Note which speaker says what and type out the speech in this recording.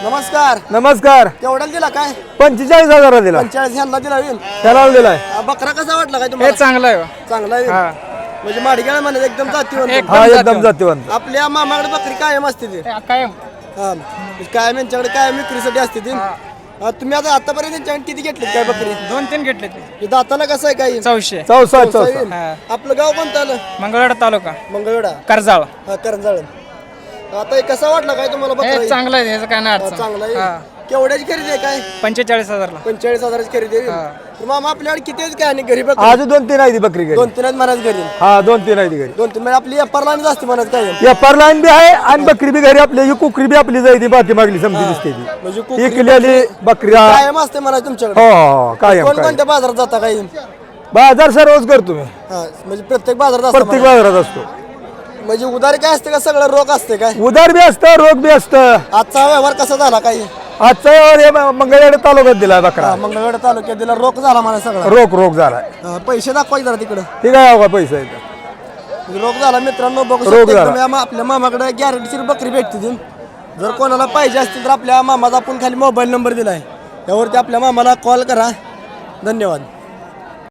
Speaker 1: नमस्कार.
Speaker 2: नमस्कार.
Speaker 1: केवढ्याला दिला काय?
Speaker 2: 45,000 दिला.
Speaker 1: 45 ह्यांना दिला होईल.
Speaker 2: त्याला दिलाय.
Speaker 1: बकरा कसा वाटला काय
Speaker 3: हे
Speaker 1: तुम्हाला?
Speaker 3: चांगलं आहे
Speaker 1: चांगला आहे. म्हणजे माडग्याला म्हणे एकदम जातीवंत.
Speaker 2: हा एकदम जातीवंत.
Speaker 1: आपल्या मामाकडे बकरी कायम असते ती.
Speaker 3: कायम
Speaker 1: हा कायम यांच्याकडे कायम विक्रीसाठी असते ती. तुम्ही आता आतापर्यंत त्यांच्याकडे किती घेतली काय बकरी?
Speaker 3: 2-3 घेतले ते
Speaker 1: हे दाताला कसं आहे काय?
Speaker 3: 400.
Speaker 2: चौसा.
Speaker 1: आपलं गाव कोणतं आलं?
Speaker 3: मंगळवेढा तालुका
Speaker 1: मंगळवेढा.
Speaker 3: कर्जाळ.
Speaker 1: हा करंजाळ. आता हे कसा वाटला काय तुम्हाला बकरा?
Speaker 3: हे चांगलं आहे ह्याचं काय नाही अडचण.
Speaker 1: चांगला आहे. केवढ्याची खरेदी आहे काय?
Speaker 3: 45,000ला.
Speaker 1: 45,000ची खरेदी आहे. तर मामा आपल्याकडे किती आहेत काय आणि गरीब
Speaker 2: आज 2-3 आहे ती बकरी घरी.
Speaker 1: 2-3 आहेत म्हणायचं घरी.
Speaker 2: हा 2-3 आहे ती घरी.
Speaker 1: 2-3 म्हणजे आपली व्यापारला आणि जास्ती म्हणत काय?
Speaker 2: व्यापार लाईन बी आहे आणि बकरी बी घरी आपली. ही कुकरी बी आपली जायची बाकी मागली समजी दिसते ती.
Speaker 1: म्हणजे
Speaker 2: ही
Speaker 1: कुकरी
Speaker 2: किल्ल्याली बकरी.
Speaker 1: कायम असते म्हणायचं तुमच्याकडे.
Speaker 2: हो कायम
Speaker 1: कोण
Speaker 2: कायम.
Speaker 1: कोणत्या बाजारात जाता काही?
Speaker 2: बाजार सर्वच करतो मी.
Speaker 1: हा म्हणजे प्रत्येक बाजारात असतं
Speaker 2: प्रत्येक
Speaker 1: म्हणा.
Speaker 2: बाजारात असतो.
Speaker 1: म्हणजे उधारी काय असते का सगळं रोख असते काय?
Speaker 2: उदार बी असतं रोग बी असतं.
Speaker 1: आजचा व्यवहार कसा झाला काही?
Speaker 2: आजचा हे मंगळवेढा तालुक्यात दिला बकरा.
Speaker 1: मंगळवेढा तालुक्यात दिला रोख झाला म्हणा सगळा.
Speaker 2: रोग झालाय.
Speaker 1: पैसे दाखवा जरा तिकडे.
Speaker 2: ठीक आहे का पैसा येतो.
Speaker 1: म्हणजे रोख झाला मित्रांनो बघू
Speaker 2: रोग
Speaker 1: शकता.
Speaker 2: झाला.
Speaker 1: एकदम आपल्या मामाकडे गॅरंटीची बकरी भेटते ती. जर कोणाला पाहिजे असतील तर आपल्या मामाचा आपण खाली मोबाईल नंबर दिलाय त्यावरती आपल्या मामाला कॉल करा. धन्यवाद.